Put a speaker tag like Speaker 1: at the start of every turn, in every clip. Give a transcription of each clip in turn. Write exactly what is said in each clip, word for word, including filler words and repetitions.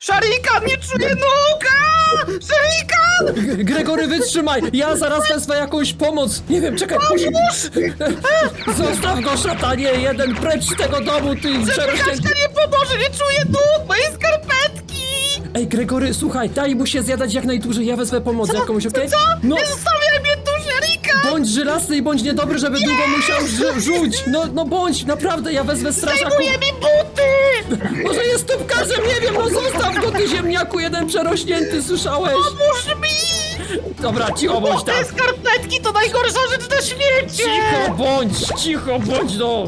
Speaker 1: Szarikan, nie czuję nóg! A! Szarikan!
Speaker 2: G- Gregory, wytrzymaj! Ja zaraz wezmę jakąś pomoc! Nie wiem, czekaj! Musi... Zostaw go, szatanie! Jeden precz z tego domu, ty przerośnięty!
Speaker 1: Kaśka nie pomoże, nie czuję nóg! Moje skarpetki!
Speaker 2: Ej, Gregory, słuchaj, daj mu się zjadać jak najdłużej, ja wezmę pomoc jakąś, okej?
Speaker 1: Co?
Speaker 2: No,
Speaker 1: Nie zostawiaj mnie tu, Szarikan!
Speaker 2: bądź żelazny i bądź niedobry, żeby długo musiał rzu- rzuć! No, no bądź, naprawdę, ja wezmę strażaków!
Speaker 1: Zdejmuje mi buty!
Speaker 2: Może jest tubkarzem, nie wiem, no zostaw go, ty ziemniaku, jeden przerośnięty, słyszałeś?
Speaker 1: Pomóż mi!
Speaker 2: Dobra, cicho bądź tam!
Speaker 1: Te skarpetki to najgorsza rzecz na świecie!
Speaker 2: Cicho bądź, cicho bądź, no!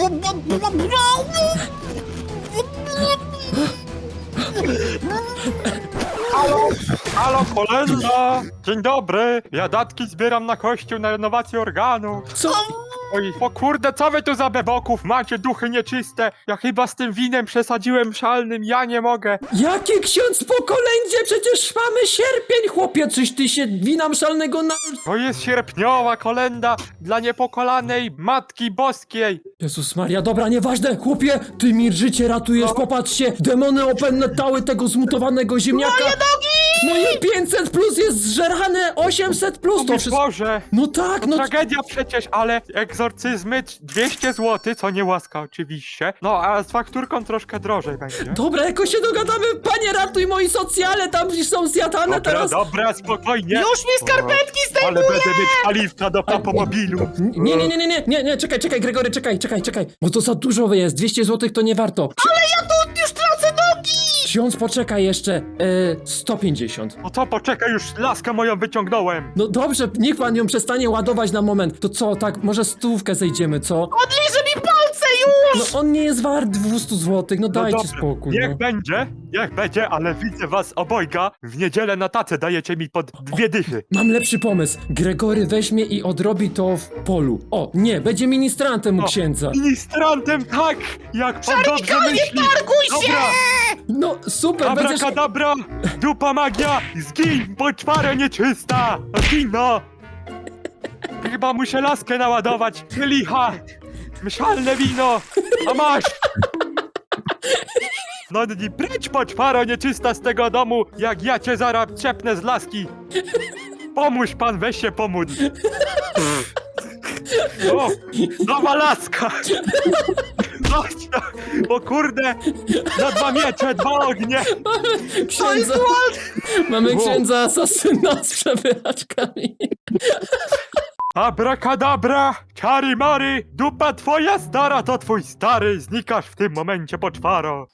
Speaker 3: Halo, halo, kolenda! Dzień dobry, ja datki zbieram na kościół na renowację organu.
Speaker 2: Co?
Speaker 3: Oj, o kurde, co wy tu za beboków macie, duchy nieczyste? Ja chyba z tym winem przesadziłem szalnym, ja nie mogę.
Speaker 2: Jaki ksiądz po kolędzie? Przecież mamy sierpień, chłopie, czyś ty się wina szalnego na...
Speaker 3: To jest sierpniowa kolenda dla niepokolanej Matki Boskiej.
Speaker 2: Jezus Maria, dobra, nieważne, chłopie, ty mi życie ratujesz, popatrzcie, demony opętały tego zmutowanego ziemniaka. Moje nogi! Moje pięćset plus jest zżerane, osiemset plus,
Speaker 3: O
Speaker 2: to
Speaker 3: mój
Speaker 2: wszystko...
Speaker 3: Boże,
Speaker 2: No tak, no...
Speaker 3: tragedia przecież, ale egzorcyzmy dwieście złotych, co nie łaska oczywiście. No, a z fakturką troszkę drożej będzie.
Speaker 2: Dobra, jakoś się dogadamy, panie, ratuj moi socjale, tam są zjadane
Speaker 3: Dobra,
Speaker 2: teraz.
Speaker 3: dobra, spokojnie.
Speaker 1: Już mi skarpetki
Speaker 3: Ale
Speaker 1: zdejmuję!
Speaker 3: będę mieć paliwka do papomobilu.
Speaker 2: Nie, nie, nie, nie, nie, nie, nie, czekaj, czekaj, Gregory, czekaj, czekaj, czekaj, bo to za dużo jest, dwieście złotych to nie warto.
Speaker 1: Ale ja tu już tracę nogi!
Speaker 2: Ksiądz, poczekaj jeszcze, e, sto pięćdziesiąt.
Speaker 3: No to poczekaj, już laskę moją wyciągnąłem.
Speaker 2: No dobrze, niech pan ją przestanie ładować na moment. To co, tak, może stówkę zejdziemy, co?
Speaker 1: Odliże mi palce już!
Speaker 2: No on nie jest wart dwieście złotych, no
Speaker 3: No
Speaker 2: dajcie
Speaker 3: dobra,
Speaker 2: spokój,
Speaker 3: Niech
Speaker 2: no.
Speaker 3: będzie, niech będzie, ale widzę was obojga. W niedzielę na tacę dajecie mi pod dwie dychy.
Speaker 2: Mam lepszy pomysł. Gregory weźmie i odrobi to w polu. O, nie, będzie ministrantem u
Speaker 3: O,
Speaker 2: księdza.
Speaker 3: Ministrantem, tak! Jak pan dobrze
Speaker 1: Szarikanie,
Speaker 3: myśli.
Speaker 1: targuj się!
Speaker 3: Dobra,
Speaker 2: No super, będziesz...
Speaker 3: abracadabra, dupa magia, zgin, poczwara nieczysta. Zgin, no. Chyba muszę laskę naładować. Licha, mszalne wino, a masz. No i precz poczwaro nieczysta z tego domu, jak ja cię zaraz trzepnę z laski. Pomóż pan, weź się pomóc. O, nowa laska. Chodź no, o kurde, na dwa miecze, dwa ognie.
Speaker 2: Księdza... Mamy
Speaker 3: Wow.
Speaker 2: księdza asasyna z przewyraczkami.
Speaker 3: Abracadabra, czary mary, dupa twoja stara to twój stary, znikasz w tym momencie poczwaro.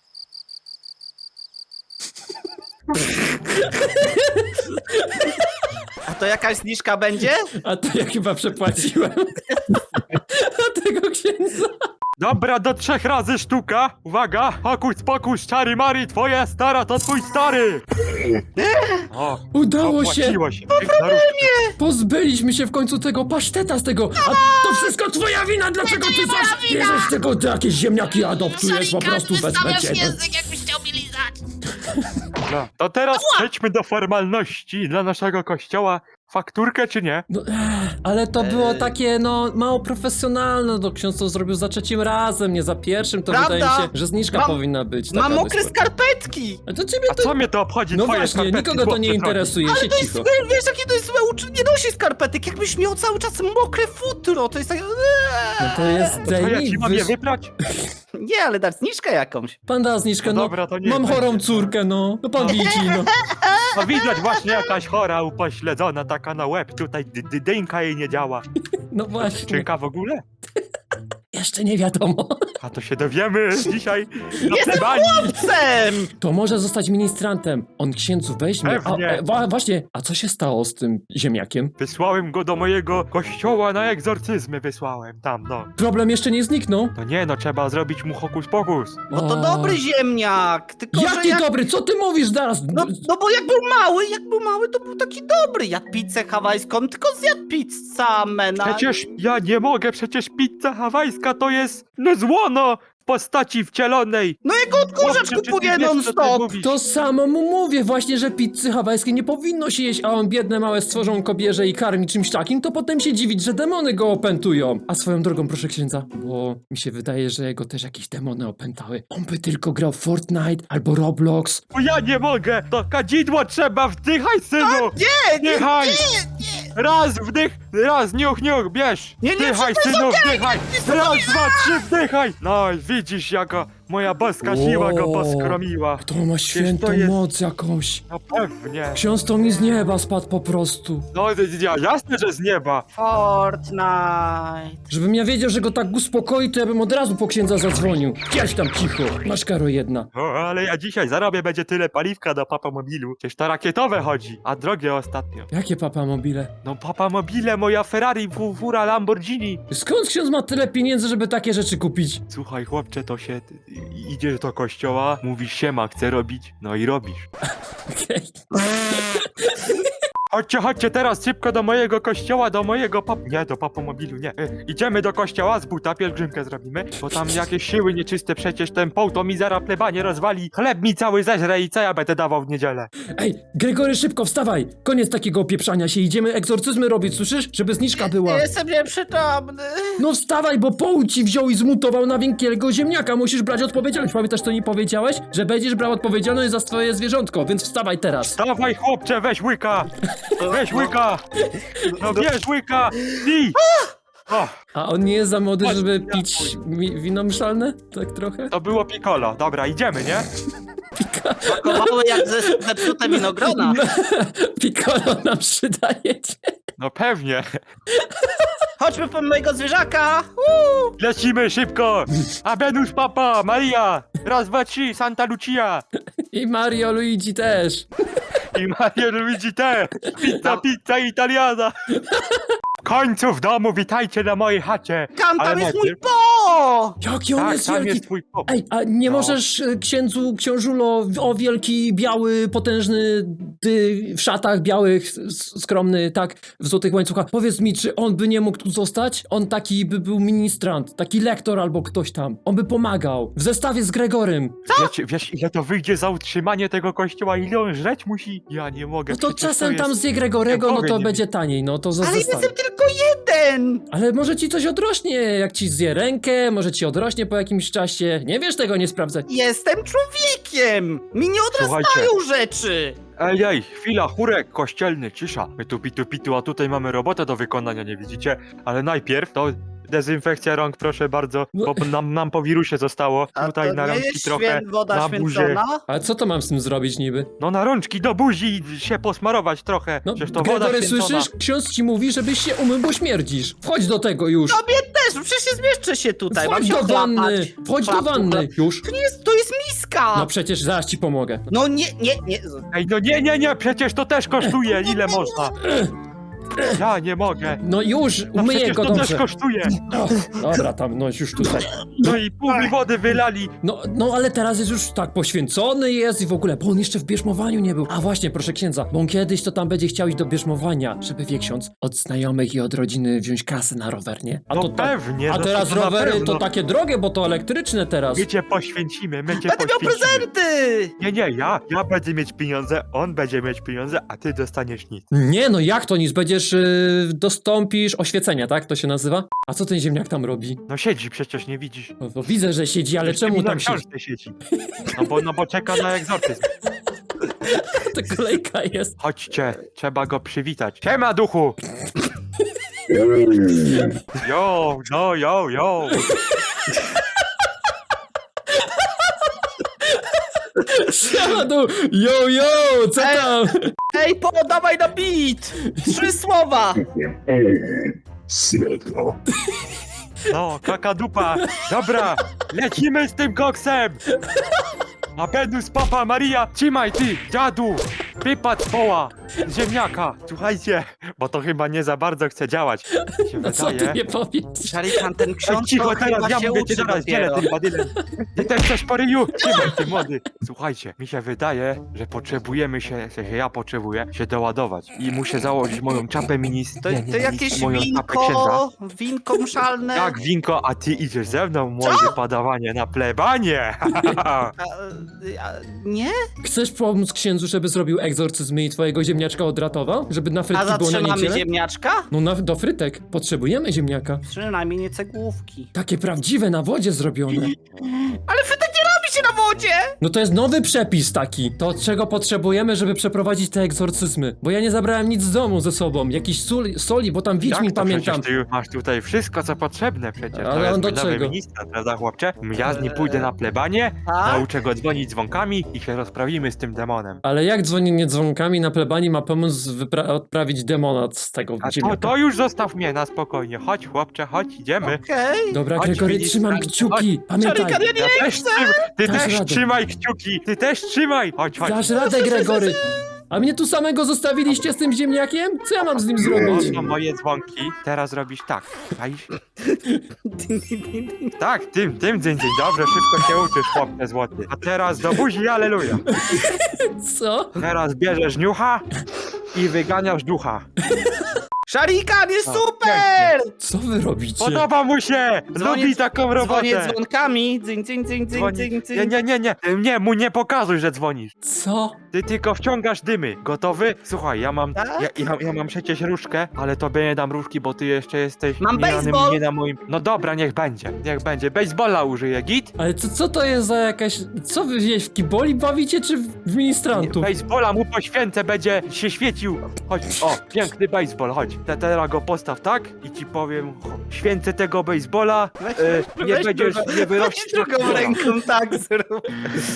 Speaker 1: A to jakaś zniżka będzie?
Speaker 2: A to ja chyba przepłaciłem. A tego księdza...
Speaker 3: Dobra, do trzech razy sztuka. Uwaga, hokuś pokuś, czary mary, twoja stara to twój stary. O,
Speaker 2: Udało się!
Speaker 3: opłaciło się. Po problemie.
Speaker 2: Pozbyliśmy się w końcu tego paszteta z tego. A to wszystko twoja wina, dlaczego ty zawsze bierzesz tego, ty jakieś ziemniaki adoptujesz po prostu bez mecie.
Speaker 1: język, jakbyś chciał mi lizać!
Speaker 3: No, to teraz przejdźmy do formalności dla naszego kościoła. Fakturkę czy nie?
Speaker 2: No, ech, ale to było takie, no, mało profesjonalne, no ksiądz to zrobił za trzecim razem, nie za pierwszym, to
Speaker 1: Prawda?
Speaker 2: wydaje mi się, że zniżka
Speaker 1: Mam-
Speaker 2: powinna być.
Speaker 1: Mam
Speaker 2: taka
Speaker 1: mokre
Speaker 2: dość-
Speaker 1: skarpetki!
Speaker 2: A to ciebie
Speaker 3: A
Speaker 2: to...
Speaker 3: co mnie to obchodzi,
Speaker 2: No
Speaker 3: twoje
Speaker 2: właśnie,
Speaker 3: skarpetki,
Speaker 2: nikogo to
Speaker 3: chłopcy
Speaker 2: nie
Speaker 3: drogi?
Speaker 2: interesuje,
Speaker 1: Ale
Speaker 2: się
Speaker 1: to jest,
Speaker 2: cicho.
Speaker 1: wiesz jakie to jest złe uczucie? Nie nosi skarpetek, jakbyś miał cały czas mokre futro, to jest tak...
Speaker 2: No to jest
Speaker 3: To ja
Speaker 2: daj
Speaker 3: ci
Speaker 2: mi,
Speaker 3: mam je
Speaker 2: wyż-
Speaker 3: wybrać?
Speaker 1: Nie, ale dać zniżkę jakąś.
Speaker 2: Pan da zniżkę,
Speaker 3: No
Speaker 2: no,
Speaker 3: dobra, to niech
Speaker 2: mam
Speaker 3: będzie.
Speaker 2: chorą córkę, no, no pan widzi, no.
Speaker 3: No widać właśnie jakaś chora, upośledzona, taka na łeb, tutaj dy- dy- dynka jej nie działa.
Speaker 2: No właśnie,
Speaker 3: Czynka w ogóle?
Speaker 2: jeszcze nie wiadomo.
Speaker 3: A to się dowiemy dzisiaj na plebanii.
Speaker 1: Sem!
Speaker 2: To może zostać ministrantem. On księdzu weźmie. A,
Speaker 3: Pewnie.
Speaker 2: e, wa, właśnie, a co się stało z tym ziemniakiem?
Speaker 3: Wysłałem go do mojego kościoła na egzorcyzmy, wysłałem tam, no.
Speaker 2: Problem jeszcze nie zniknął.
Speaker 3: No nie, no trzeba zrobić mu hokus pokus.
Speaker 1: Bo to
Speaker 2: O.
Speaker 1: dobry ziemniak, tylko że
Speaker 2: Jaki
Speaker 1: jak...
Speaker 2: dobry, co ty mówisz zaraz?
Speaker 1: No, no bo jak był mały, jak był mały, to był taki dobry. Jadł pizzę hawajską, tylko zjadł pizzę mena.
Speaker 3: Przecież ja nie mogę, przecież pizza hawajska to jest no zło, no. w postaci wcielonej.
Speaker 1: No jak odkurzacz
Speaker 3: Chłopcze, czy ty
Speaker 1: kupuje
Speaker 3: wiesz, co ty
Speaker 1: non-stop.
Speaker 3: mówisz?
Speaker 2: To samo mu mówię właśnie, że pizzy hawajskiej nie powinno się jeść, a on biedne małe stworzonko bierze i karmi czymś takim, to potem się dziwić, że demony go opętują. A swoją drogą, proszę księdza, bo mi się wydaje, że jego też jakieś demony opętały. On by tylko grał w Fortnite albo Roblox.
Speaker 3: Bo ja nie mogę, to kadzidło trzeba, wdychaj, synu!
Speaker 1: Nie, nie,
Speaker 3: Wdychaj!
Speaker 1: nie, nie.
Speaker 3: Raz wdych, raz niuch, niuch, bierz!
Speaker 1: Nie, nie,
Speaker 3: Wdychaj,
Speaker 1: wszystko
Speaker 3: synu,
Speaker 1: jest okej,
Speaker 3: wdychaj!
Speaker 1: wszystko
Speaker 3: Raz, dwa, trzy, wdychaj! No i widzisz, jaka moja boska siła go
Speaker 2: Wow.
Speaker 3: poskromiła.
Speaker 2: To ma świętą
Speaker 3: to jest-
Speaker 2: moc jakąś.
Speaker 3: No pewnie.
Speaker 2: Ksiądz to mi z nieba spadł po prostu.
Speaker 3: No ja, jasne, że z nieba.
Speaker 1: Fortnite.
Speaker 2: Żebym ja wiedział, że go tak uspokoi, to ja bym od razu po księdza zadzwonił. Jedź tam cicho, masz karo jedna.
Speaker 3: O, ale ja dzisiaj zarobię, będzie tyle paliwka do Papa Mobilu. Przecież to rakietowe chodzi, a drogie ostatnio.
Speaker 2: Jakie papa mobile?
Speaker 3: No Papa Mobile, moja Ferrari, fu- fura Lamborghini.
Speaker 2: Skąd ksiądz ma tyle pieniędzy, żeby takie rzeczy kupić?
Speaker 3: Słuchaj chłopcze, to się... i- idziesz do kościoła, mówisz siema, chcę robić, no i robisz.
Speaker 2: Okej.
Speaker 3: Chodźcie, chodźcie teraz szybko do mojego kościoła, do mojego pap... Nie, do papomobilu, nie. E, idziemy do kościoła, z buta pielgrzymkę zrobimy, bo tam jakieś siły nieczyste, przecież ten poł to mi zara plebanie rozwali, chleb mi cały zeżre i co ja będę dawał w niedzielę?
Speaker 2: Ej, Gregory, szybko wstawaj! Koniec takiego opieprzania się, idziemy egzorcyzmy robić, słyszysz? Żeby zniżka była.
Speaker 1: Jestem nieprzytomny.
Speaker 2: No wstawaj, bo poł ci wziął i zmutował na wielkiego ziemniaka, musisz brać odpowiedzialność. Pamiętasz, co nie powiedziałeś? Że będziesz brał odpowiedzialność za swoje zwierzątko, więc wstawaj teraz.
Speaker 3: Dawaj chłopcze, weź łyka! Weź łyka! No bierz łyka! I! O,
Speaker 2: A on nie jest za młody,
Speaker 3: Chodź,
Speaker 2: żeby
Speaker 3: ja
Speaker 2: pić mi wino mszalne? Tak trochę?
Speaker 3: to było piccolo, dobra, idziemy, nie?
Speaker 1: Pakowały jak ze, zepsute winogrona.
Speaker 2: Piccolo nam przydajecie.
Speaker 3: No pewnie.
Speaker 1: Chodźmy po mojego zwierzaka. Uuu.
Speaker 3: Lecimy szybko! Abenus Papa, Maria! Raz, dwa, trzy, Santa Lucia!
Speaker 2: I Mario Luigi też.
Speaker 3: I Mario Luigi też! Pizza, pizza italiana! W końcu w domu, witajcie na mojej chacie!
Speaker 1: Tam,
Speaker 3: Ale
Speaker 1: tam jest mój
Speaker 3: najpierw-
Speaker 1: po!
Speaker 2: Jaki on
Speaker 3: Tak,
Speaker 2: jest
Speaker 3: tam
Speaker 2: wielki.
Speaker 3: jest twój pop.
Speaker 2: Ej, a nie
Speaker 3: No.
Speaker 2: możesz e, księdzu, książulo, o wielki, biały, potężny, ty, w szatach białych, s- skromny, tak, w złotych łańcuchach. Powiedz mi, czy on by nie mógł tu zostać? On taki by był ministrant, taki lektor albo ktoś tam. On by pomagał. W zestawie z Gregorym.
Speaker 3: Wiecie, wiesz, ile to wyjdzie za utrzymanie tego kościoła? Ile on żreć musi? Ja nie mogę.
Speaker 2: No to
Speaker 3: przecież
Speaker 2: czasem
Speaker 3: jest...
Speaker 2: tam zje Gregorego, no
Speaker 3: Boga
Speaker 2: to
Speaker 3: nie
Speaker 2: będzie taniej, no to za
Speaker 1: Ale
Speaker 2: zestaw.
Speaker 1: jestem tylko jeden.
Speaker 2: Ale może ci coś odrośnie, jak ci zje rękę, może ci odrośnie po jakimś czasie. Nie wiesz tego, nie sprawdzać.
Speaker 1: Jestem człowiekiem. Mi nie odrastają
Speaker 3: Słuchajcie.
Speaker 1: rzeczy.
Speaker 3: Ej, ej, chwila, chórek kościelny, cisza. My tu pitu pitu, a tutaj mamy robotę do wykonania, nie widzicie? Ale najpierw to dezynfekcja rąk, proszę bardzo,
Speaker 2: No.
Speaker 3: bo nam, nam po wirusie zostało.
Speaker 1: A
Speaker 3: Tutaj
Speaker 1: to
Speaker 3: na
Speaker 1: nie
Speaker 3: rączki
Speaker 1: jest
Speaker 3: trochę,
Speaker 1: świę- woda
Speaker 3: na buzię.
Speaker 1: święcona?
Speaker 2: Ale co to mam z tym zrobić niby?
Speaker 3: No na rączki do buzi się posmarować trochę.
Speaker 2: No,
Speaker 3: Przecież to woda
Speaker 2: Gregory,
Speaker 3: święcona.
Speaker 2: słyszysz? Ksiądz ci mówi, żebyś się umył, bo śmierdzisz. Wchodź do tego już.
Speaker 1: Tobie też, przecież nie zmieszczę się tutaj. Mam
Speaker 2: Wchodź
Speaker 1: się
Speaker 2: do wanny.
Speaker 1: ochlapać.
Speaker 2: Wchodź do
Speaker 1: Chlap,
Speaker 2: wanny.
Speaker 1: chlap.
Speaker 2: Już.
Speaker 1: To, nie jest, to jest miska.
Speaker 2: No przecież zaraz ci pomogę.
Speaker 1: No nie, nie, nie.
Speaker 3: Ej, no nie, nie, nie, przecież to też kosztuje, ile można. Ja nie mogę.
Speaker 2: No już,
Speaker 3: No
Speaker 2: umyję
Speaker 3: przecież
Speaker 2: go
Speaker 3: to też
Speaker 2: dobrze.
Speaker 3: kosztuje.
Speaker 2: O, dobra, tam, no już tutaj.
Speaker 3: No i pół mi wody wylali.
Speaker 2: No, no ale teraz jest już tak poświęcony jest i w ogóle, bo on jeszcze w bierzmowaniu nie był. A właśnie, proszę księdza, bo on kiedyś to tam będzie chciał iść do bierzmowania, żeby wie ksiądz od znajomych i od rodziny wziąć kasę na rower, nie? A
Speaker 3: No
Speaker 2: to tak-
Speaker 3: pewnie,
Speaker 2: A
Speaker 3: no
Speaker 2: teraz
Speaker 3: to na
Speaker 2: rowery
Speaker 3: pewno.
Speaker 2: to takie drogie, bo to elektryczne teraz.
Speaker 3: My cię poświęcimy, my cię
Speaker 1: Będę miał
Speaker 3: poświęcimy.
Speaker 1: prezenty.
Speaker 3: Nie, nie, ja, ja będę mieć pieniądze, on będzie mieć pieniądze, a ty dostaniesz nic.
Speaker 2: Nie, no jak to nic? Będziesz, yy, dostąpisz oświecenia, tak? To się nazywa? A co ten ziemniak tam robi?
Speaker 3: No siedzi, przecież nie widzisz.
Speaker 2: No, to widzę, że siedzi, ale
Speaker 3: Jeszcze
Speaker 2: czemu
Speaker 3: mi na
Speaker 2: tam siedzi?
Speaker 3: książce siedzi? No bo, no bo czeka na egzorcyzm.
Speaker 2: To kolejka jest.
Speaker 3: Chodźcie, trzeba go przywitać. Siema, duchu! Jo, no, jo, jo.
Speaker 2: Siema tu! Yo, yo! Co
Speaker 1: Ej.
Speaker 2: tam?
Speaker 1: Ej, podawaj na beat. Trzy słowa.
Speaker 4: Sredo.
Speaker 3: No, kakadupa. Dobra, lecimy z tym koksem. Abenus Papa Maria, trzymaj ty, dziadu. Wypad z poła. ziemniaka. Słuchajcie, bo to chyba nie za bardzo chce działać. Mi się
Speaker 2: No co ty
Speaker 3: wydaje.
Speaker 2: nie powiesz?
Speaker 1: Szarikan, ten
Speaker 3: Ej,
Speaker 1: ksiądz
Speaker 3: cicho,
Speaker 1: to
Speaker 3: teraz
Speaker 1: chyba
Speaker 3: ja
Speaker 1: się
Speaker 3: mówię ci
Speaker 1: uczy
Speaker 3: zaraz dzielę
Speaker 1: dopiero.
Speaker 3: tym badylem. Ty też coś po ryju? Trzymaj ty młody. Słuchajcie, mi się wydaje, że potrzebujemy się, w sensie ja potrzebuję się doładować. I muszę założyć moją czapę minis.
Speaker 1: To,
Speaker 3: nie, nie,
Speaker 1: to
Speaker 3: nie,
Speaker 1: jakieś
Speaker 3: moją czapę księdza.
Speaker 1: winko, winko mszalne.
Speaker 3: Tak, winko, a ty idziesz ze mną, młode padawanie, na plebanie.
Speaker 1: A, a, nie?
Speaker 2: Chcesz pomóc księdzu, żeby zrobił egzorcyzmy i twojego ziemniaczka odratował? Żeby na
Speaker 1: A
Speaker 2: frytki było na
Speaker 1: zatrzymamy
Speaker 2: niedzielę?
Speaker 1: ziemniaczka?
Speaker 2: No na, do frytek. Potrzebujemy ziemniaka.
Speaker 1: Przynajmniej nie cegłówki.
Speaker 2: Takie prawdziwe, na wodzie zrobione.
Speaker 1: Ale frytek nie robi się na wodzie!
Speaker 2: No to jest nowy przepis taki. To czego potrzebujemy, żeby przeprowadzić te egzorcyzmy. Bo ja nie zabrałem nic z domu ze sobą. Jakiś sól, soli, bo tam Wiedźmin
Speaker 3: Jak to
Speaker 2: pamiętam.
Speaker 3: przecież ty masz tutaj wszystko, co potrzebne przecież.
Speaker 2: Ale
Speaker 3: to jest
Speaker 2: on do
Speaker 3: mój nowy
Speaker 2: czego?
Speaker 3: ministra, prawda chłopcze? Ja z nim pójdę na plebanie,
Speaker 1: Tak?
Speaker 3: nauczę go dzwonić dzwonkami i się rozprawimy z tym demonem.
Speaker 2: Ale jak dzwonienie dzwonkami na plebanii ma pomóc wypra- odprawić demona z tego
Speaker 3: A to,
Speaker 2: ziemniaka?
Speaker 3: to już zostaw mnie na spokojnie. Chodź chłopcze, chodź, idziemy.
Speaker 1: Okej.
Speaker 2: Dobra,
Speaker 3: Chodź,
Speaker 2: Gregory,
Speaker 3: ministra,
Speaker 2: trzymam
Speaker 3: chodź.
Speaker 2: kciuki. Pamiętaj.
Speaker 1: Szarikan, ja nie
Speaker 3: Ja też trzymaj, ty
Speaker 2: Dasz
Speaker 3: też
Speaker 2: radę.
Speaker 3: trzymaj kciuki, ty też trzymaj. Chodź, chodź.
Speaker 2: Dasz radę, Gregory. A mnie tu samego zostawiliście z tym ziemniakiem? Co ja mam z nim zrobić?
Speaker 3: To są moje dzwonki. Teraz robisz tak. Czaisz?
Speaker 1: Ding, ding, ding, ding.
Speaker 3: Tak, tym, tym dzień, dzień. Dobrze, szybko się uczysz, chłopcze złoty. A teraz do buzi, aleluja.
Speaker 2: Co?
Speaker 3: Teraz bierzesz niucha i wyganiasz ducha.
Speaker 1: Szarikan, jest
Speaker 3: O,
Speaker 1: super!
Speaker 2: Co wy robicie?
Speaker 3: Podoba mu się!
Speaker 1: Dzwonię-
Speaker 3: Lubi taką robotę!
Speaker 1: Dzwonię dzwonkami. Dzyń, dzyń, dzyń, dzyń,
Speaker 3: Dzwoni-
Speaker 1: dzyń, dzyń.
Speaker 3: Nie, nie, nie, nie, nie, mu nie pokazuj, że dzwonisz.
Speaker 2: Co?
Speaker 3: Ty tylko wciągasz dymy. Gotowy? Słuchaj, ja mam,
Speaker 1: Tak?
Speaker 3: ja, ja, ja mam przecież różkę, ale tobie nie dam różki, bo ty jeszcze jesteś
Speaker 1: Mam
Speaker 3: nie na,
Speaker 1: baseball.
Speaker 3: nie na moim... No dobra, niech będzie, niech będzie. Baseballa użyję, git?
Speaker 2: Ale co, co to jest za jakaś... Co wy gdzieś w kiboli bawicie, czy w ministrantów?
Speaker 3: Baseballa mu poświęcę, będzie się świecił. Chodź, o, piękny baseball, chodź. Te, teraz go postaw tak i ci powiem, cho- święcę tego baseballa, e, nie
Speaker 1: Weź
Speaker 3: będziesz,
Speaker 1: drugą-
Speaker 3: nie wyrościsz
Speaker 1: weź drugą ręką tak zrób.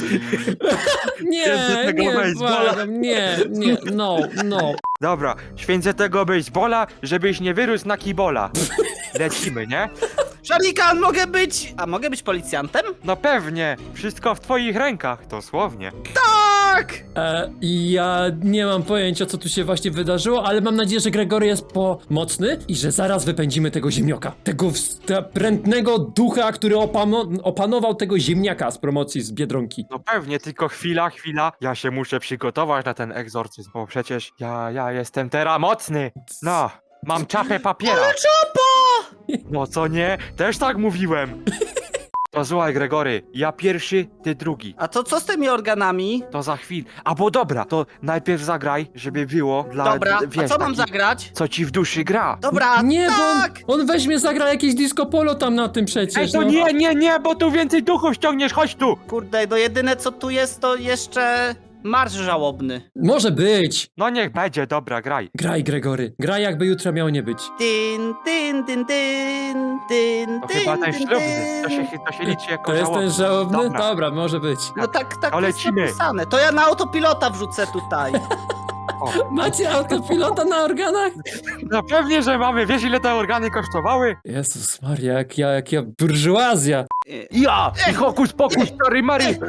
Speaker 2: Nie,
Speaker 3: Święcę tego
Speaker 2: nie,
Speaker 3: baseballa.
Speaker 2: błagam, nie, nie, no, no.
Speaker 3: Dobra, święcę tego baseballa, żebyś nie wyrósł na kibola. Lecimy, nie?
Speaker 1: Szarikan, mogę być... A mogę być policjantem?
Speaker 3: No pewnie, wszystko w twoich rękach, dosłownie.
Speaker 1: Tak!
Speaker 2: E, ja nie mam pojęcia, co tu się właśnie wydarzyło, ale mam nadzieję, że Gregory jest pomocny i że zaraz wypędzimy tego ziemnioka. Tego wstrętnego ducha, który opano- opanował tego ziemniaka z promocji z Biedronki.
Speaker 3: No pewnie, tylko chwila, chwila, ja się muszę przygotować na ten egzorcyzm, bo przecież ja, ja jestem teraz mocny. No, mam czapę papiera.
Speaker 1: Czopo!
Speaker 3: No co nie? Też tak mówiłem. To słuchaj, Gregory, ja pierwszy, ty drugi.
Speaker 1: A to co z tymi organami?
Speaker 3: To za chwilę. Albo dobra, to najpierw zagraj, żeby było dla...
Speaker 1: Dobra,
Speaker 3: wiesz,
Speaker 1: a co mam
Speaker 3: taki-
Speaker 1: zagrać?
Speaker 3: Co ci w duszy gra.
Speaker 1: Dobra,
Speaker 2: Nie,
Speaker 1: tak!
Speaker 2: bo on, on weźmie, zagra jakieś disco polo tam na tym przecież.
Speaker 3: Ej, to
Speaker 2: no.
Speaker 3: nie, nie, nie, bo tu więcej duchów ściągniesz, chodź tu!
Speaker 1: Kurde, no jedyne co tu jest to jeszcze marsz żałobny.
Speaker 2: Może być.
Speaker 3: No niech będzie, dobra, graj.
Speaker 2: Graj, Gregory. Graj, jakby jutro miało nie być.
Speaker 1: Dyn, dyn, dyn, dyn, dyn,
Speaker 3: To
Speaker 1: dyn,
Speaker 3: chyba ten
Speaker 1: dyn,
Speaker 3: ślubny, to się,
Speaker 1: dyn.
Speaker 3: to się liczy jako
Speaker 2: To jest ten
Speaker 3: żałobny.
Speaker 2: żałobny?
Speaker 3: Dobra.
Speaker 2: Dobra, może być.
Speaker 1: No tak, tak
Speaker 3: To
Speaker 1: jest
Speaker 3: lecimy.
Speaker 1: napisane. To ja na autopilota wrzucę tutaj.
Speaker 3: O,
Speaker 2: Macie autopilota na organach?
Speaker 3: no pewnie, że mamy, wiesz ile te organy kosztowały?
Speaker 2: Jezus Maria, jak ja, jak ja burżuazja.
Speaker 3: Ja! I hokus pokus, stary Mary!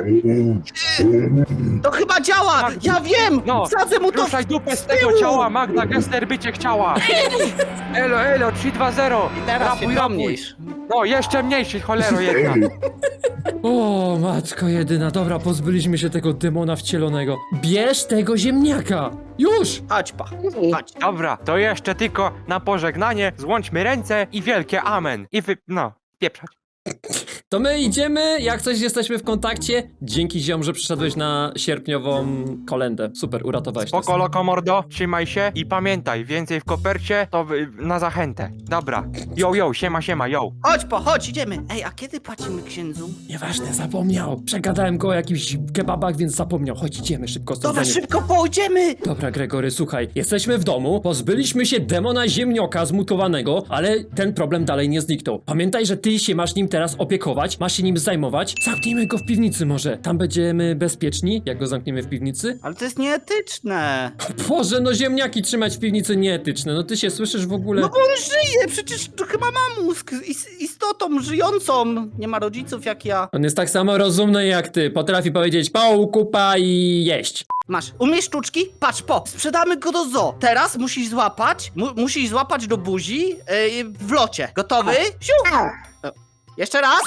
Speaker 1: To chyba działa!
Speaker 3: Tak.
Speaker 1: Ja wiem!
Speaker 3: No,
Speaker 1: Wsadzę mu to w...
Speaker 3: Ruszaj dupę z tego ciała, Magda Gessler by cię chciała! Elo, elo, trzy dwa zero!
Speaker 1: I teraz
Speaker 3: Rapuj,
Speaker 1: się
Speaker 3: rapuj!
Speaker 1: pomniejsz.
Speaker 3: No, jeszcze mniejszy, cholero jedna!
Speaker 2: O, matko jedyna, dobra, pozbyliśmy się tego demona wcielonego. Bierz tego ziemniaka! Już!
Speaker 1: Chodź pa, chodź.
Speaker 3: Dobra, to jeszcze tylko na pożegnanie złączmy ręce i wielkie amen. I wy... no, pieprzać.
Speaker 2: To my idziemy, jak coś jesteśmy w kontakcie. Dzięki ziom, że przyszedłeś na sierpniową kolendę. Super, uratowałeś nas.
Speaker 3: Spoko, loko, mordo, trzymaj się i pamiętaj, więcej w kopercie to wy- na zachętę. Dobra, yo, yo, siema, siema, yo.
Speaker 1: Chodź po, chodź, idziemy. Ej, a kiedy płacimy księdzu?
Speaker 2: Nieważne, zapomniał. Przegadałem go o jakichś kebabach, więc zapomniał. Chodź, idziemy szybko stąd.
Speaker 1: Dobra,
Speaker 2: zanim-
Speaker 1: szybko pójdziemy!
Speaker 2: Dobra, Gregory, słuchaj, jesteśmy w domu, pozbyliśmy się demona ziemnioka zmutowanego, ale ten problem dalej nie zniknął. Pamiętaj, że ty się masz nim teraz opiekować, masz się nim zajmować. Zamknijmy go w piwnicy może, tam będziemy bezpieczni, jak go zamkniemy w piwnicy.
Speaker 1: Ale to jest nieetyczne.
Speaker 2: Boże, no ziemniaki trzymać w piwnicy nieetyczne, no ty się słyszysz w ogóle...
Speaker 1: No bo on żyje, przecież to chyba ma mózg. Is istotą żyjącą. Nie ma rodziców jak ja.
Speaker 2: On jest tak samo rozumny jak ty, potrafi powiedzieć pał, kupa i jeść.
Speaker 1: masz. Umiesz sztuczki? Patrz, po, sprzedamy go do zoo. Teraz musisz złapać, mu, musisz złapać do buzi yy, w locie. Gotowy? Siu! O, jeszcze raz.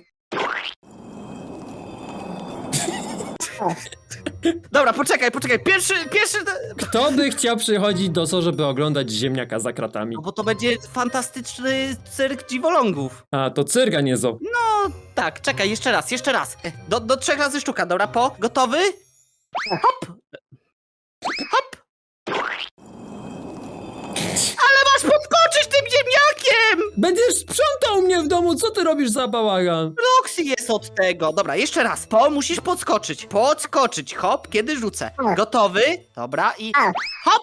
Speaker 1: Dobra, poczekaj, poczekaj. Pierwszy, pierwszy...
Speaker 2: Kto by chciał przychodzić do zoo, żeby oglądać ziemniaka za kratami?
Speaker 1: No bo to będzie fantastyczny cyrk dziwolągów.
Speaker 2: A, to cyrga, nie zoo.
Speaker 1: No, tak, czekaj, jeszcze raz, jeszcze raz. Do, do trzech razy sztuka, dobra, po. Gotowy? Hop! Hop! Ale masz podskoczyć tym ziemniakiem!
Speaker 2: Będziesz sprzątał mnie w domu, co ty robisz za bałagan?
Speaker 1: Roxy jest od tego. Dobra, jeszcze raz. Po, musisz podskoczyć. Podskoczyć, hop, kiedy rzucę. Gotowy? Dobra, i hop!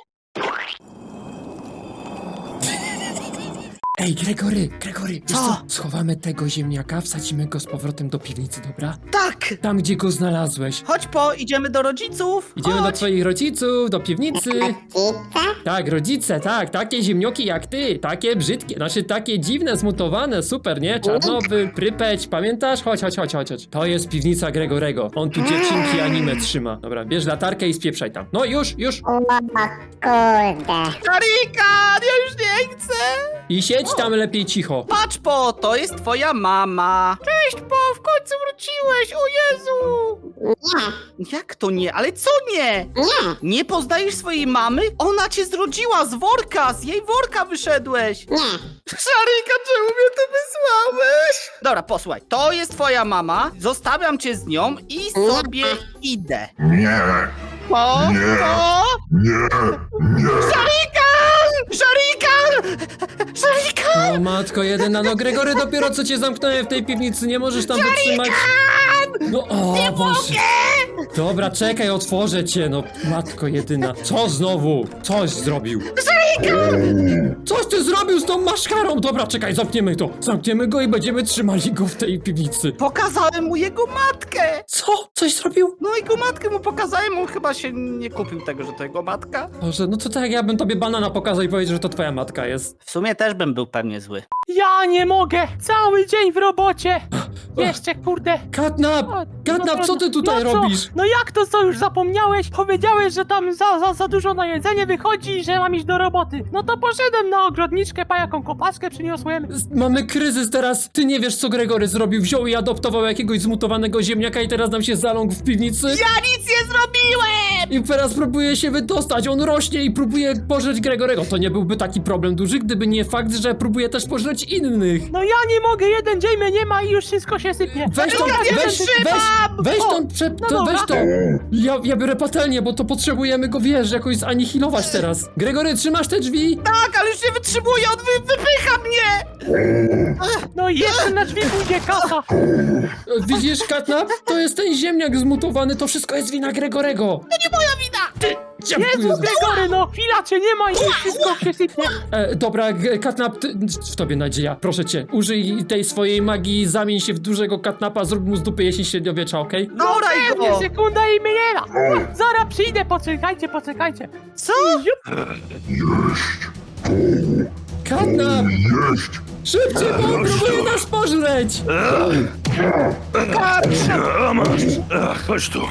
Speaker 2: Ej, Gregory, Gregory, wiesz
Speaker 1: Co?
Speaker 2: co? Schowamy tego ziemniaka, wsadzimy go z powrotem do piwnicy, dobra?
Speaker 1: Tak!
Speaker 2: Tam, gdzie go znalazłeś.
Speaker 1: Chodź po, idziemy do rodziców.
Speaker 2: Idziemy do
Speaker 1: Chodź.
Speaker 2: twoich rodziców, do piwnicy. Tak, rodzice, tak, takie ziemnioki jak ty, takie brzydkie, znaczy takie dziwne, zmutowane, super, nie? Czarnowy, Prypeć, pamiętasz? Chodź, chodź, chodź, chodź, chodź. To jest piwnica Gregorego, on tu dziewczynki anime trzyma. Dobra, bierz latarkę i spieprzaj tam. No już, już.
Speaker 4: O kurde.
Speaker 1: Karika, ja już nie chcę.
Speaker 2: I siedź tam lepiej cicho.
Speaker 1: Patrz po, to jest twoja mama. Cześć po, w końcu wróciłeś, o Jezu.
Speaker 4: Nie,
Speaker 1: Jak to nie? Ale co nie?
Speaker 4: nie,
Speaker 1: Nie poznajesz swojej mamy? Ona cię zrodziła z worka, z jej worka wyszedłeś.
Speaker 4: nie.
Speaker 1: Szarika, czemu mnie tu wysłałeś? Dobra, posłuchaj, to jest twoja mama, zostawiam cię z nią i sobie idę.
Speaker 5: Nie,
Speaker 1: Po,
Speaker 5: Nie.
Speaker 1: po,
Speaker 5: nie, nie.
Speaker 1: Szarikan! Szarikan! Szarikan!
Speaker 2: O matko jedyna, no Gregory, dopiero co cię zamknąłem w tej piwnicy, nie możesz tam wytrzymać. No o Boże. Dobra, czekaj, otworzę cię, no matko jedyna. Co znowu? Coś zrobił. Coś ty zrobił z tą maszkarą! Dobra, czekaj, zamkniemy to. Zamkniemy go i będziemy trzymali go w tej piwnicy.
Speaker 1: Pokazałem mu jego matkę!
Speaker 2: Co? Coś zrobił?
Speaker 1: No jego matkę mu pokazałem, on chyba się nie kupił tego, że to jego matka.
Speaker 2: Boże, no to tak ja bym tobie banana pokazał i powiedział, że to twoja matka jest.
Speaker 1: W sumie też bym był pewnie zły.
Speaker 3: Ja nie mogę! Cały dzień w robocie! Jeszcze kurde!
Speaker 2: Katnap!
Speaker 3: O,
Speaker 2: Katnap,
Speaker 3: no,
Speaker 2: co ty tutaj
Speaker 3: no co?
Speaker 2: robisz?
Speaker 3: No jak to co już zapomniałeś? Powiedziałeś, że tam za, za, za dużo na jedzenie wychodzi i że mam iść do roboty. No to poszedłem na ogrodniczkę, pa jaką kopaskę przyniosłem.
Speaker 2: Z- Mamy kryzys teraz. Ty nie wiesz, co Gregory zrobił. Wziął i adoptował jakiegoś zmutowanego ziemniaka i teraz nam się zaląkł w piwnicy.
Speaker 1: Ja nic nie zrobiłem!
Speaker 2: I teraz próbuje się wydostać. On rośnie i próbuje pożreć Gregorego. To nie byłby taki problem duży, gdyby nie fakt, że próbuje też pożreć innych.
Speaker 3: No ja nie mogę, jeden dzień mnie nie ma i już wszystko się sypie.
Speaker 2: Weź tą,
Speaker 1: Ja nie
Speaker 2: weź, weź,
Speaker 1: wytrzymam!
Speaker 2: weź
Speaker 3: O,
Speaker 2: tą, prze,
Speaker 3: no
Speaker 2: to, weź
Speaker 3: dobra.
Speaker 2: tą. Ja, ja biorę patelnię, bo to potrzebujemy go, wiesz, jakoś zanihilować teraz. Gregory, trzymasz te drzwi?
Speaker 1: Tak, ale już nie wytrzymuję, on wy, wypycha mnie!
Speaker 3: No i jeszcze na drzwi pójdzie kasa.
Speaker 2: E, Widzisz, Katnap? To jest ten ziemniak zmutowany, to wszystko jest wina Gregorego.
Speaker 1: To nie moja wina!
Speaker 2: Dziękuję.
Speaker 3: Jezu, Gregory, no chwila cię nie ma i już wszystko się sypie.
Speaker 2: E, dobra, G- Katnap, ty, w tobie nadzieja, proszę cię. Użyj tej swojej magii, zamień się w dużego Katnapa, zrób mu z dupy jesień średniowiecza, okej?
Speaker 1: Doraj
Speaker 3: Pewnie,
Speaker 1: go!
Speaker 3: sekunda i miela. Zaraz przyjdę, poczekajcie, poczekajcie.
Speaker 1: Co?
Speaker 5: Jeść,
Speaker 2: Katnap!
Speaker 5: jeść.
Speaker 2: Szybciej, bo on próbuje nas pożreć!
Speaker 5: A masz, Ach, chodź tu.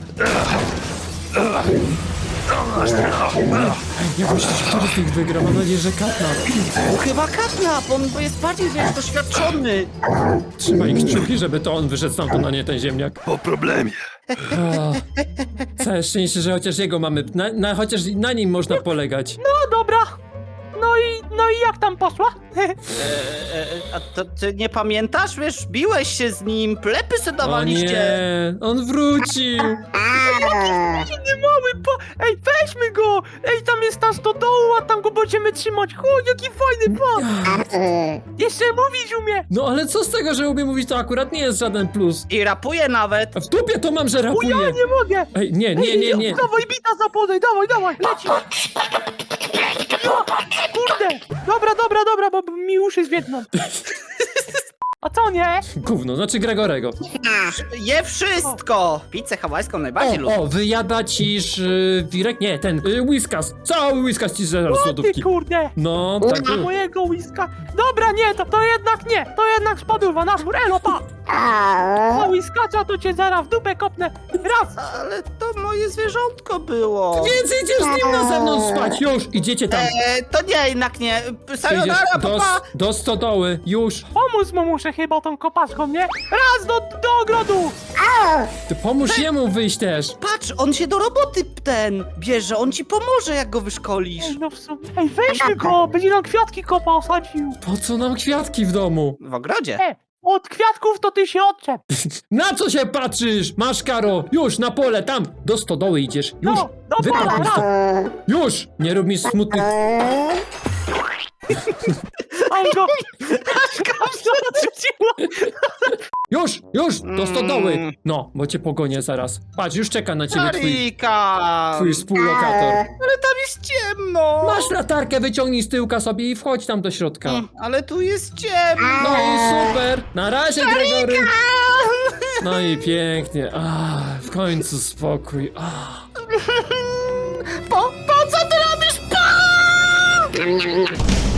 Speaker 2: Jak myślisz, który z nich wygra? Mam nadzieję, że Katnap.
Speaker 1: No chyba Katnap, on jest bardziej wiesz, doświadczony.
Speaker 2: Trzymaj kciuki, żeby to on wyszedł stamtąd, a nie ten ziemniak.
Speaker 5: Po problemie.
Speaker 2: O, całe szczęście, że chociaż jego mamy, na, na, chociaż na nim można polegać.
Speaker 3: No dobra. No i, no i jak tam poszła?
Speaker 1: E, e, a to ty nie pamiętasz? Wiesz, biłeś się z nim, plepy se
Speaker 2: O
Speaker 1: dawaliście.
Speaker 2: nie, on wrócił.
Speaker 3: Nie mały, po... Ej, weźmy go! Ej, tam jest nas do dołu, a tam go będziemy trzymać. Chodź, jaki fajny pan! Jeszcze mówić umie!
Speaker 2: No ale co z tego, że umie mówić, to akurat nie jest żaden plus.
Speaker 1: I rapuje nawet.
Speaker 2: A w dupie to mam, że
Speaker 3: O, ja
Speaker 2: rapuje.
Speaker 3: nie mogę!
Speaker 2: Ej, nie, nie, nie, nie.
Speaker 3: Dawaj, bita zapodaj, dawaj, dawaj, leci! No, kurde! Dobra, dobra, dobra, bo mi uszy zwiedną. A co nie?
Speaker 2: Gówno, znaczy Gregorego.
Speaker 1: Je wszystko! Pizzę hawajską najbardziej lubię.
Speaker 2: O, o, wyjada ci y, Wirek? Nie, ten, y, Whiskas. Cały Whiskas ci zaraz z
Speaker 3: O ty
Speaker 2: lodówki.
Speaker 3: kurde!
Speaker 2: No, tak
Speaker 3: A
Speaker 2: było.
Speaker 3: mojego łyska. Dobra, nie, to, to jednak nie. To jednak spadła na dwór. Elo, pa! A
Speaker 4: O,
Speaker 3: łyskacza to cię zaraz w dupę kopnę. Raz!
Speaker 1: Ale to moje zwierzątko było.
Speaker 2: Więc idziesz z nim na zewnątrz spać, już, idziecie tam.
Speaker 1: E, to nie, jednak nie.
Speaker 2: Idziesz
Speaker 1: Sayonara,
Speaker 2: do,
Speaker 1: papa!
Speaker 2: do stodoły, już.
Speaker 3: Pomóc mu muszę chyba tą kopaszką, nie? Raz do, do ogrodu!
Speaker 2: Ty pomóż jemu wyjść też.
Speaker 1: Patrz, on się do roboty ten bierze, on ci pomoże, jak go wyszkolisz.
Speaker 3: Ej, no w sumie. Ej, weźmy go! Będzie nam kwiatki kopał, sadził.
Speaker 2: Po co nam kwiatki w domu?
Speaker 1: W ogrodzie.
Speaker 3: E, od kwiatków to ty się odczep.
Speaker 2: Na co się patrzysz? Masz, Karo, już, na pole, tam, do stodoły idziesz, już.
Speaker 3: No, dobra,
Speaker 2: Wypadł mi
Speaker 3: raz.
Speaker 2: to. Już, nie rób mi smutnych.
Speaker 3: On go... Odrzuciło.
Speaker 2: Już, już, do stodoły.
Speaker 1: Mm.
Speaker 2: No, bo cię pogonię zaraz. Patrz, już czeka na ciebie twój,
Speaker 1: Marika!
Speaker 2: twój współlokator.
Speaker 1: Ale tam jest ciemno!
Speaker 2: Masz latarkę, wyciągnij z tyłka sobie i wchodź tam do środka.
Speaker 1: Mm, Ale tu jest ciemno!
Speaker 2: No i super. Na razie, Gregory. No i pięknie. Ach, w końcu spokój. Ach.
Speaker 1: Po, po co ty robisz? Po!
Speaker 4: Niam, niam, niam.